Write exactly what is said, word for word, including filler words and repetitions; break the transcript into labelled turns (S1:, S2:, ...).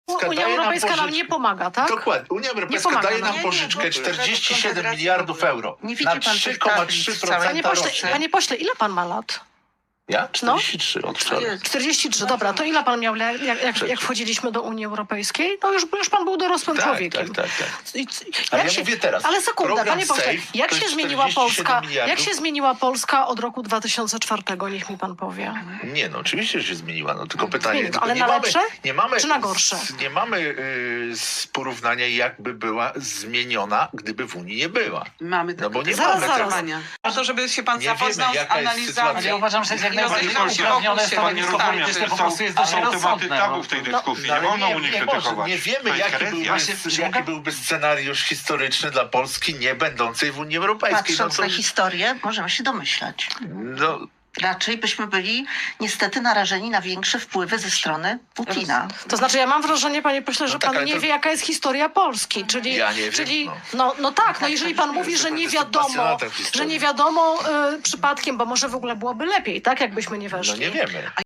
S1: Unia
S2: daje nam
S1: Europejska nam
S2: pożyczkę.
S1: nie pomaga, tak?
S2: Dokładnie. Unia Europejska
S1: pomaga
S2: daje
S1: nam.
S2: nam
S3: Nie,
S2: pożyczkę
S3: nie, bo-
S2: czterdzieści siedem
S3: Konfederacji
S2: miliardów
S3: w ogóle.
S2: euro.
S3: Nie widzi
S2: Na
S3: pan tych
S2: trzy przecinek trzy
S3: tablic
S2: procent
S3: całej
S1: Panie pośle,
S2: rocznie.
S1: panie pośle, ile pan ma lat?
S2: Ja? czterdzieści trzy od wczoraj.
S3: Jest.
S1: czterdzieści trzy, dobra, to ile pan miał, jak, jak, jak wchodziliśmy do Unii Europejskiej? No już, już pan był dorosłym
S2: Tak,
S1: człowiekiem.
S2: tak, tak, tak.
S1: I-
S2: Ale
S1: jak
S2: ja mówię teraz,
S1: Ale sekundę,
S2: program
S1: panie pośle,
S2: Safe
S1: jak
S2: to
S1: się
S2: jest
S1: zmieniła
S2: czterdzieści siedem
S1: Polska?
S2: miliardów.
S1: Jak się zmieniła Polska od roku dwa tysiące czwartego? Niech mi pan powie.
S2: Nie, no oczywiście, że się zmieniła. No tylko pytanie,
S1: Zmieniła,
S2: tylko
S1: ale
S2: nie
S1: na
S2: mamy,
S1: lepsze?
S2: nie mamy,
S1: Czy na gorsze?
S2: z- Nie mamy y, z porównania, jakby była zmieniona, gdyby w Unii nie była.
S3: Mamy
S2: No bo nie
S1: Zaraz,
S2: mamy
S1: zaraz.
S2: tego.
S3: A to, żeby się pan
S2: Nie
S3: zapoznał
S2: wiemy,
S3: z
S2: jaka jest
S3: analizami.
S2: sytuacja.
S4: Ja uważam, że jest jak
S3: I
S4: najbardziej
S3: rozejrzał
S4: uprawnione
S3: się,
S4: stanowisko
S3: panie
S4: polityczne, po
S3: rozumie,
S4: prostu jest dość
S5: Są tematy
S4: rozsądne.
S5: tabu
S4: no.
S5: w tej
S1: No,
S5: dyskusji.
S2: no,
S5: Nie
S2: ale
S5: wolno
S2: nie-
S5: Unii
S2: nie
S5: krytykować.
S2: może, nie wiemy,
S5: To jest
S2: jaki,
S5: herezja.
S2: byłby,
S4: Właśnie, czy
S2: jaki
S4: mogę-
S2: byłby scenariusz historyczny dla Polski nie będącej w Unii Europejskiej.
S6: Patrząc
S2: no
S6: na
S2: to,
S6: historię, możemy się domyślać.
S2: no,
S6: Raczej byśmy byli niestety narażeni na większe wpływy ze strony Putina.
S1: To znaczy, ja mam wrażenie, panie pośle, że
S2: No tak,
S1: pan
S2: ale
S1: nie
S2: to-
S1: wie, jaka jest historia Polski. Czyli,
S2: Ja nie wiem,
S1: czyli
S2: no.
S1: no. No, tak, no jeżeli pan mówi, że nie
S2: Jestem
S1: wiadomo,
S2: pasjonatem historii.
S1: że nie wiadomo y, przypadkiem, bo może w ogóle byłoby lepiej, tak, jakbyśmy nie weszli.
S2: no nie wiemy.